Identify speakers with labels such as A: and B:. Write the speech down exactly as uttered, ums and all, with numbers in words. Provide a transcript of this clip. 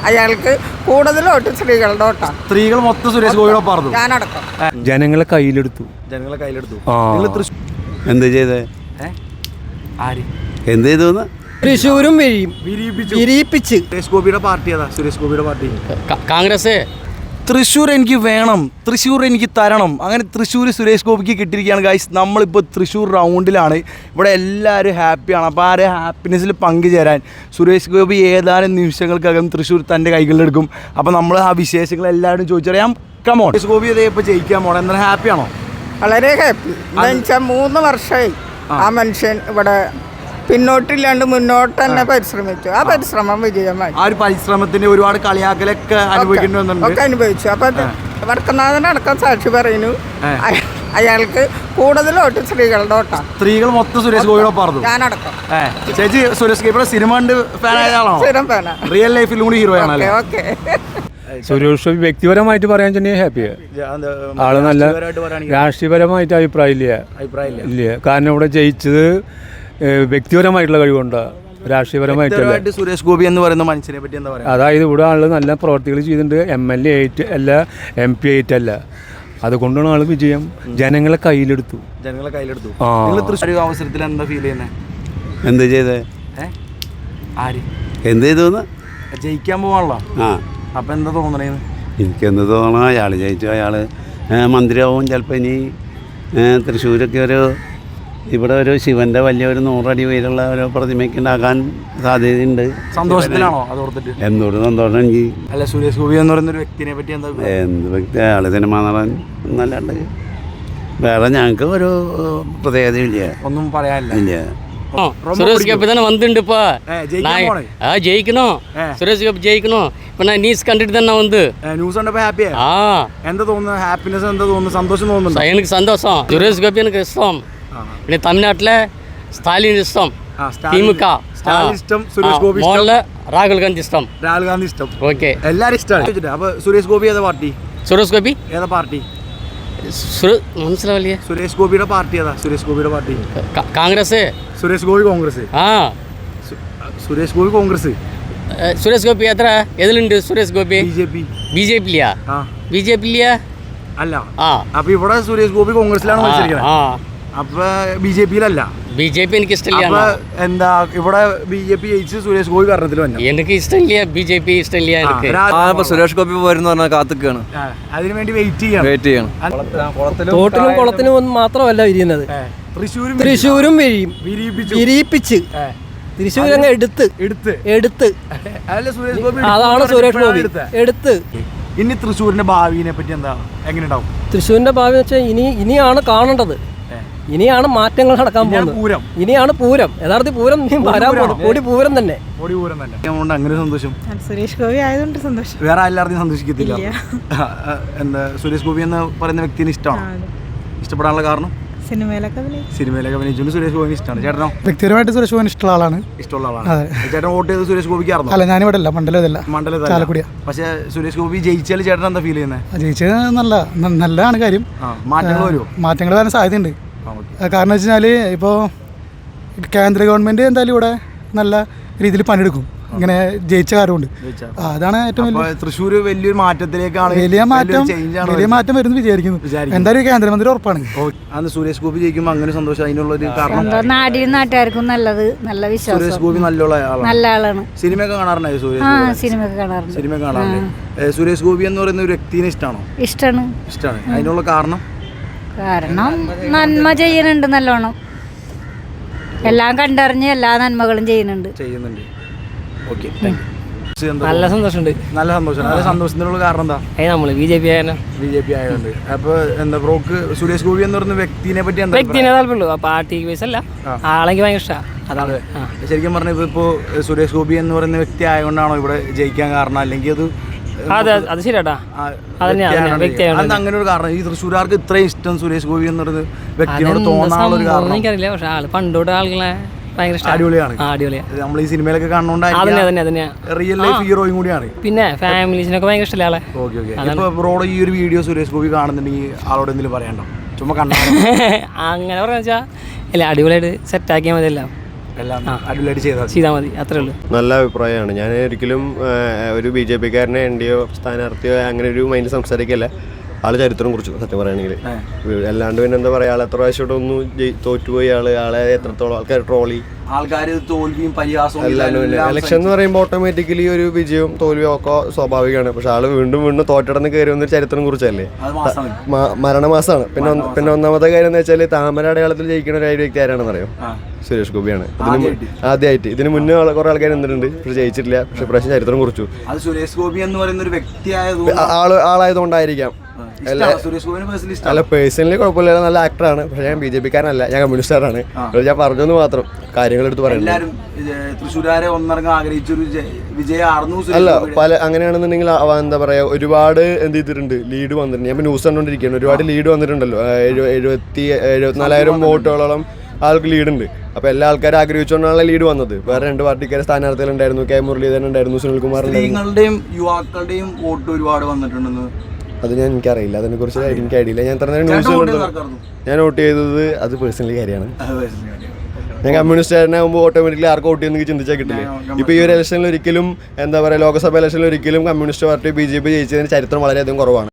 A: അയാൾക്ക് കൂടുതൽ വോട്ട് സ്ത്രീകളുടെ വോട്ടാണ്.
B: സ്ത്രീകൾ മൊത്തം സുരേഷ് ഗോപിയുടെ പറഞ്ഞു.
A: ഞാനടക്കം
C: ജനങ്ങളെ കയ്യിലെടുത്തു
B: ജനങ്ങളെ കയ്യിലെടുത്തു.
D: എന്ത് ചെയ്തേ?
B: ആര്
D: എന്ത് ചെയ്തു?
E: തൃശ്ശൂരും വിരിയിപ്പിച്ച്.
B: സുരേഷ് ഗോപിയുടെ പാർട്ടി ഏതാ? സുരേഷ് ഗോപിയുടെ പാർട്ടി
E: കോൺഗ്രസ്.
B: തൃശ്ശൂർ എനിക്ക് വേണം, തൃശ്ശൂർ എനിക്ക് തരണം. അങ്ങനെ തൃശ്ശൂർ സുരേഷ് ഗോപിക്ക് കിട്ടിയിരിക്കുകയാണ് ഗൈസ്. നമ്മളിപ്പോൾ തൃശ്ശൂർ റൗണ്ടിലാണ്. ഇവിടെ എല്ലാവരും ഹാപ്പിയാണ്. അപ്പോൾ ആ ഒരു ഹാപ്പിനെസ്സിൽ പങ്കുചേരാൻ സുരേഷ് ഗോപി ഏതാനും നിമിഷങ്ങൾക്കകം തൃശ്ശൂർ തൻ്റെ കൈകളിലെടുക്കും. അപ്പോൾ നമ്മൾ ആ വിശേഷങ്ങൾ എല്ലാവരും ചോദിച്ചറിയാം. കമോൺ, സുരേഷ് ഗോപി ഇതേ ഇപ്പോൾ ജയിക്കാൻ പോകണം. എന്നാൽ ഹാപ്പിയാണോ?
A: വളരെ ഹാപ്പി. എന്താണെന്ന് വെച്ചാൽ മൂന്ന് വർഷമായി ആ മനുഷ്യൻ ഇവിടെ പിന്നോട്ടില്ലാണ്ട് മുന്നോട്ട് തന്നെ പരിശ്രമിച്ചു. ആ പരിശ്രമം വിജയമായി.
B: ആ ഒരു പരിശ്രമത്തിന്റെ ഒരുപാട് കളിയാക്കലൊക്കെ അനുഭവിക്കുന്നുണ്ട്.
A: ഒക്കെ അനുഭവിച്ചു. അപ്പൊ വടക്കനാഥനടക്കം സാക്ഷി പറയുന്നു അയാൾക്ക് കൂടുതൽ വോട്ട് സ്ത്രീകളുടെ വോട്ടാണ്.
B: സ്ത്രീകൾ മൊത്തം സുരേഷ് ഗോപിയുടെ പറഞ്ഞു.
A: ഞാനടക്കം.
B: ചേച്ചി സുരേഷ് ഗോപിയുടെ സിനിമ ഫാൻ ആയ ആളാണോ?
A: സ്ഥിരം ഫാനാ.
B: റിയൽ ലൈഫിലും കൂടി ഹീറോ ആണല്ലേ?
A: ഓക്കെ.
C: സുരേഷ് ഗോപി വ്യക്തിപരമായിട്ട് പറയാൻ തന്നെ ഹാപ്പിയാണ്. ആള് നല്ല രാഷ്ട്രീയപരമായിട്ട് അഭിപ്രായം ഇല്ല ഇല്ല കാരണം ഇവിടെ ജയിച്ചത് വ്യക്തിപരമായിട്ടുള്ള കഴിവുണ്ട്, രാഷ്ട്രീയപരമായിട്ടല്ല.
B: സുരേഷ് ഗോപി എന്ന് പറയുന്ന മനുഷ്യനെ പറ്റി എന്താ പറയുക?
C: അതായത് ഇവിടെ ആള് നല്ല പ്രവർത്തികൾ ചെയ്തിട്ടുണ്ട്. എം എൽ എ ആയിട്ട് അല്ല, എം പി ആയിട്ടല്ല. അതുകൊണ്ടാണ് ആള് വിജയം. ജനങ്ങളെ കയ്യിലെടുത്തു
B: ജനങ്ങളെ കയ്യിലെടുത്തു. തൃശ്ശൂർ അവസരത്തിൽ എന്താ ഫീൽ ചെയ്യുന്നത്?
D: എന്ത് ചെയ്തേ?
B: ആര്
D: എന്ത് ചെയ്തു?
B: ജയിക്കാൻ പോവാണല്ലോ.
D: ആ,
B: അപ്പം എന്താ തോന്നണേന്ന്?
D: എനിക്കെന്ത് തോന്നണം, അയാൾ ജയിച്ചു. അയാൾ മന്ത്രിയാവും ചിലപ്പോൾ. ഇനി തൃശ്ശൂരൊക്കെ ഒരു ഇവിടെ ഒരു ശിവൻ്റെ വലിയൊരു നൂറടി ഉയരമുള്ള ഒരു പ്രതിമയ്ക്ക് ഉണ്ടാക്കാൻ സാധ്യതയുണ്ട്.
B: സന്തോഷത്തിലാണോ അതോർത്തിട്ട്?
D: എന്തുകൊണ്ട് സന്തോഷം എനിക്ക്.
B: അല്ല, സുരേഷ് ഗോപി എന്ന് പറയുന്ന ഒരു വ്യക്തിനെ പറ്റി എന്താ?
D: എന്ത് വ്യക്തി? അയാൾ സിനിമ നടൻ എന്നല്ലാണ്ട് വേറെ ഞങ്ങൾക്ക് ഒരു പ്രത്യേകതയില്ല,
B: ഒന്നും പറയാനില്ല.
D: ഇല്ല.
E: சுரேஷ் கோபி தானே வந்துட்டு இப்போ நான் ஜெயிக்கணும். சுரேஷ் கோபி ஜெயிக்கணும். இப்போ நான் நியூஸ் கண்டுட்டு தானே வந்து
B: ന്യൂസ് കണ്ടപ്പോൾ ഹാപ്പിയാ?
E: ஆ
B: എന്താ തോന്നുന്നു? ഹാപ്പിനെസ് എന്താ തോന്നുന്നു? സന്തോഷം തോന്നുന്നുണ്ടോ?
E: எனக்கு சந்தோஷம். சுரேஷ் கோபி எனக்கு இஷ்டம். இன்னைக்கு தமிழ்நாட்டில் ஸ்டாலின் இஷ்டம், திமுக
B: ഇഷ്ടം, സുരേഷ് ഗോപി
E: മോളില് രാഹുൽ ഗാന്ധി ഇഷ്ടം.
B: രാഹുൽ ഗാന്ധി ഇഷ്ടം.
E: ഓക്കെ,
B: എല്ലാവരും ഇഷ്ടമാണ്. അപ്പൊ സുരേഷ് ഗോപി ഏതാ പാർട്ടി?
E: സുരേഷ് ഗോപി
B: ഏതാ പാർട്ടി?
E: മനസ്സിലാവില്ലേ?
B: സുരേഷ് ഗോപിയുടെ പാർട്ടി ഏതാ? സുരേഷ് ഗോപിയുടെ പാർട്ടി
E: കോൺഗ്രസ്.
B: സുരേഷ് ഗോപി കോൺഗ്രസ്.
E: ആ,
B: സുരേഷ് ഗോപി കോൺഗ്രസ്.
E: സുരേഷ് ഗോപി എത്ര എതിലുണ്ട്? Suresh Gopi
B: B J P.
E: B J P ഇല്ല. ബി ജെ പി ഇല്ല
B: അല്ല.
E: ആ,
B: അപ്പൊ ഇവിടെ സുരേഷ് ഗോപി കോൺഗ്രസിലാണ് മത്സരിക്കുന്നത്. അപ്പൊ ബി ജെ പിയിലല്ല.
E: ബി ജെ പി എനിക്ക് ഇഷ്ടമില്ല.
B: അപ്പൊ എന്താ ഇവിടെ ബി ജെ പി ജയിച്ച് സുരേഷ് ഗോപി ഭരണത്തിൽ വന്നു.
E: എനിക്ക് ഇഷ്ടമില്ല ബി ജെ പി, ഇഷ്ടമില്ല എനിക്ക്.
F: സുരേഷ് ഗോപി വരുന്ന പറഞ്ഞാൽ കാത്തുക്കാണ്.
B: അതിനു വേണ്ടി വെയിറ്റ് ചെയ്യണം
F: വെയിറ്റ് ചെയ്യണം
E: തോട്ടിലും കുളത്തിനും ഒന്നും മാത്രമല്ല വിരിയുന്നത്.
B: തൃശ്ശൂരും
E: തൃശ്ശൂരും വിരിയിപ്പിച്ച്. തൃശ്ശൂർ അങ്ങ് എടുത്ത് എടുത്ത് എടുത്ത്
B: സുരേഷ് ഗോപി.
E: അതാണ് സുരേഷ് ഗോപി എടുത്ത്.
B: ഇനി തൃശ്ശൂരിന്റെ ഭാവിനെ പറ്റി എന്താ, എങ്ങനെ ഉണ്ടാവും?
E: തൃശ്ശൂരിന്റെ ഭാവി വെച്ചാൽ ഇനി ഇനിയാണ് കാണേണ്ടത്. ഇനിയാണ് മാറ്റങ്ങൾ നടക്കാൻ പോകുന്നത്. ഇനിയാണ് പൂരം. യഥാർത്ഥ പൂരം വരാൻ പോകുന്നത്. പൊടി പൂരം തന്നെ.
B: പൊടി പൂരം തന്നെ. അതുകൊണ്ട് അങ്ങനെ സന്തോഷം.
A: സുരേഷ് ഗോപി ആയതുകൊണ്ട് സന്തോഷം.
B: വേറെ എല്ലാവർക്കും സന്തോഷിക്കത്തില്ല. എന്താ സുരേഷ് ഗോപി എന്ന് പറയുന്ന വ്യക്തിനെ ഇഷ്ടമാണ്? ഇഷ്ടപ്പെടാനുള്ള കാരണം?
A: സിനിമയിലൊക്കെ
B: സിനിമയിലൊക്കെ അഭിനയിച്ചുകൊണ്ട് സുരേഷ് ഗോപിന് ഇഷ്ടമാണ്. ചേട്ടനോ?
G: വ്യക്തിപരമായിട്ട് സുരേഷ് ഗോപിന് ഇഷ്ടമുള്ള ആളാണ്.
B: ഇഷ്ടമുള്ള ആളാണ്. ചേട്ടൻ വോട്ട് ചെയ്ത് സുരേഷ് ഗോപിക്ക് ആയിരുന്നു?
G: അല്ല, ഞാനിവിടെ അല്ല, മണ്ഡലത്തില്ല,
B: മണ്ഡലത്തിൽ. പക്ഷേ സുരേഷ് ഗോപി ജയിച്ചാൽ ചേട്ടൻ എന്താ ഫീൽ ചെയ്യുന്നത്?
G: ജയിച്ചത് നല്ല നല്ലതാണ് കാര്യം.
B: മാറ്റങ്ങൾ വരുമോ? മാറ്റങ്ങൾ
G: വരാൻ സാധ്യതയുണ്ട്. കാരണം വെച്ച് കഴിഞ്ഞാൽ ഇപ്പോൾ കേന്ദ്ര ഗവൺമെൻറ് എന്തായാലും ഇവിടെ നല്ല രീതിയിൽ പണിയെടുക്കും, ഇങ്ങനെ ജയിച്ച കാര്യമുണ്ട്. അതാണ് ഏറ്റവും വലിയ
B: തൃശ്ശൂർ വലിയൊരു മാറ്റത്തിലേക്കാണ്.
G: വലിയ മാറ്റം വലിയ മാറ്റം വരുന്നു വിചാരിക്കുന്നു. എന്തായാലും കേന്ദ്രമന്ത്രി ഉറപ്പാണ്.
B: അന്ന് സുരേഷ് ഗോപി ജയിക്കുമ്പോൾ അങ്ങനെ സന്തോഷം. അതിനുള്ള ഒരു കാരണം
H: നാടിനും നാട്ടുകാർക്കും നല്ലത്, നല്ല വിശ്വാസം.
B: സുരേഷ് ഗോപി നല്ല
H: നല്ല ആളാണ്.
B: സിനിമയൊക്കെ കാണാറുണ്ടായി?
H: സിനിമ കാണാറുണ്ട്.
B: സിനിമ കാണാറുണ്ട്. സുരേഷ് ഗോപി എന്ന് പറയുന്ന ഒരു വ്യക്തിനെ ഇഷ്ടമാണോ?
H: ഇഷ്ടമാണ്.
B: ഇഷ്ടമാണ്. അതിനുള്ള കാരണം?
H: കാരണം നന്മ ചെയ്യുന്നുണ്ട് നല്ലോണം. എല്ലാം കണ്ടറിഞ്ഞ് എല്ലാ നന്മകളും ചെയ്യുന്നുണ്ട്
B: ചെയ്യുന്നുണ്ട് ഓക്കെ,
E: നല്ല സന്തോഷമുണ്ട്.
B: നല്ല സന്തോഷം. നല്ല സന്തോഷത്തിനുള്ള കാരണം എന്താ?
E: നമ്മള് ബി ജെ പി ആയാലും
B: ബി ജെ പി ആയതുകൊണ്ട്. അപ്പൊ എന്താ ബ്രോക്ക് സുരേഷ് ഗോപി എന്ന് പറയുന്ന വ്യക്തിനെ പറ്റി എന്താ?
E: വ്യക്തിനെ താല്പര്യമുള്ളൂ, പാർട്ടി ബേസ് അല്ല. ആളെനിക്ക് ഭയങ്കര ഇഷ്ടമാണ്. അതാണ്
B: ശരിക്കും പറഞ്ഞ ഇപ്പൊ സുരേഷ് ഗോപി എന്ന് പറയുന്ന വ്യക്തി ആയതുകൊണ്ടാണോ ഇവിടെ ജയിക്കാൻ കാരണം? അല്ലെങ്കിൽ അത്
E: അതെ, അത് ശരിയാട്ടാ.
B: അങ്ങനെ ഒരു കാരണം? ഈ തൃശ്ശൂർക്കാർക്ക് ഇത്രയും ഇഷ്ടം സുരേഷ് ഗോപി എന്ന് പറയുന്നത് വ്യക്തിയോട് തോന്നാനുള്ള ഒരു കാരണം
E: എനിക്കറിയില്ല. പക്ഷെ ആള് പണ്ടോട്ട് ആളുകളെ
B: അടിപൊളിയാണ്. നമ്മൾ ഈ സിനിമയിലൊക്കെ കാണുന്നോണ്ടായിരിക്കും റിയൽ ലൈഫ് ഹീറോയും കൂടിയാണ്.
E: പിന്നെ ഫാമിലീസിനൊക്കെ ഭയങ്കര ഇഷ്ടമല്ലേ.
B: Okay okay. ഇപ്പൊ ബ്രോഡ് ഈ ഒരു വീഡിയോ സുരേഷ് ഗോപി കാണുന്നുണ്ടെങ്കിൽ ആളോട് എന്തെങ്കിലും പറയണ്ടോ? ചുമ്മാ കണ്ടാ
E: അങ്ങനെ പറഞ്ഞാ ഇല്ല, അടിപൊളിയായിട്ട് സെറ്റ് ആക്കിയാൽ മതിയല്ലോ.
B: എല്ലാം അടിപൊളിയായിട്ട് ചെയ്താൽ
E: ചെയ്താൽ മതി, അത്രേ ഉള്ളൂ.
I: നല്ല അഭിപ്രായമാണ്. ഞാൻ ഒരിക്കലും ഒരു ബി ജെ പിക്കാരനെ എൻ ഡി ഒ സ്ഥാനാർത്ഥിയോ അങ്ങനെ ഒരു മൈൻഡ് സംസാരിക്കല്ല. ആള് ചരിത്രം കുറിച്ചു സത്യം പറയുകയാണെങ്കിൽ. അല്ലാണ്ട് പിന്നെ എന്താ പറയുക, ആൾ എത്ര പ്രാവശ്യം ഒന്ന് തോറ്റുപോയി, ആള് ആളെ എത്രത്തോളം ആൾക്കാർ ട്രോളി,
B: ആൾക്കാർ തോൽവിയും പരിഹാസവും
I: ഇലക്ഷൻ എന്ന് പറയുമ്പോൾ ഓട്ടോമാറ്റിക്കലി ഒരു വിജയവും തോൽവിയും ഒക്കെ സ്വാഭാവികമാണ്. പക്ഷെ ആള് വീണ്ടും വീണ്ടും തോറ്റടന്ന് കയറി വന്നൊരു ചരിത്രം കുറിച്ചല്ലേ. മരണമാസമാണ്. പിന്നെ ഒന്ന് പിന്നെ ഒന്നാമത്തെ കാര്യം എന്ന് വെച്ചാൽ താമര അടയാളത്തിൽ ജയിക്കുന്ന ഒരു വ്യക്തി ആരാണെന്ന് അറിയോ? സുരേഷ് ഗോപിയാണ്. ഇതിന് ആദ്യമായിട്ട്. ഇതിന് മുന്നേ കുറെ ആൾക്കാർ നിന്നിട്ടുണ്ട്, പക്ഷെ ജയിച്ചിട്ടില്ല. പക്ഷെ പ്രാവശ്യം ചരിത്രം കുറിച്ചു.
B: സുരേഷ് ഗോപി എന്ന് പറയുന്ന ഒരു വ്യക്തിയായത്
I: ആള് ആളായതുകൊണ്ടായിരിക്കാം. അല്ല, പേഴ്സണലി കുഴപ്പമില്ല, നല്ല ആക്ടറാണ്. പക്ഷെ ഞാൻ ബി ജെ പിക്കാരനല്ല, ഞാൻ കമ്മ്യൂണിസ്റ്റുകാരാണ്. ഞാൻ പറഞ്ഞെന്ന് മാത്രം, കാര്യങ്ങൾ എടുത്ത് പറയുന്നത്.
B: തൃശ്ശൂരാരെ ഒന്നിറങ്ങാൻ ആഗ്രഹിച്ചൊരു വിജയമായിരുന്നു.
I: അല്ല, പല അങ്ങനെയാണെന്നുണ്ടെങ്കിൽ എന്താ പറയാ, ഒരുപാട് എന്ത് ചെയ്തിട്ടുണ്ട്, ലീഡ് വന്നിട്ടുണ്ട്. ഞാൻ ന്യൂസ് കണ്ടുകൊണ്ടിരിക്കുകയാണ്. ഒരുപാട് ലീഡ് വന്നിട്ടുണ്ടല്ലോ. എഴുപത്തി എഴുപത്തിനാലായിരം വോട്ടുകളോളം ആൾക്ക് ലീഡുണ്ട്. അപ്പോൾ എല്ലാ ആൾക്കാരും ആഗ്രഹിച്ചുകൊണ്ടാണ് ലീഡ് വന്നത്. വേറെ രണ്ട് പാർട്ടിക്കാരെ സ്ഥാനാർത്ഥികളുണ്ടായിരുന്നു. കെ മുരളീധരൻ ഉണ്ടായിരുന്നു, സുനിൽകുമാർ
B: സ്ത്രീകളുടെയും യുവാക്കളുടെയും വോട്ട് ഒരുപാട് വന്നിട്ടുണ്ടെന്ന്.
I: അത് ഞാൻ എനിക്കറിയില്ല, അതിനെക്കുറിച്ച് എനിക്ക് ഐഡിയ. ഞാൻ ഇത്ര നേരം ന്യൂസ് ഞാൻ വോട്ട് ചെയ്തത് അത് പേഴ്സണലി കാര്യമാണ്. ഞാൻ കമ്മ്യൂണിസ്റ്റുകാരനാകുമ്പോൾ ഓട്ടോമാറ്റിക്കലി ആർക്ക് വോട്ട് ചെയ്യുന്ന ചിന്തിച്ചാൽ കിട്ടില്ലേ. ഇപ്പോൾ ഈ ഒരു ഇലക്ഷനിൽ ഒരിക്കലും എന്താ പറയുക, ലോക്സഭ ഇലക്ഷനിൽ ഒരിക്കലും communist party B J P ജയിച്ചതിന് ചരിത്രം വളരെയധികം കുറവാണ്.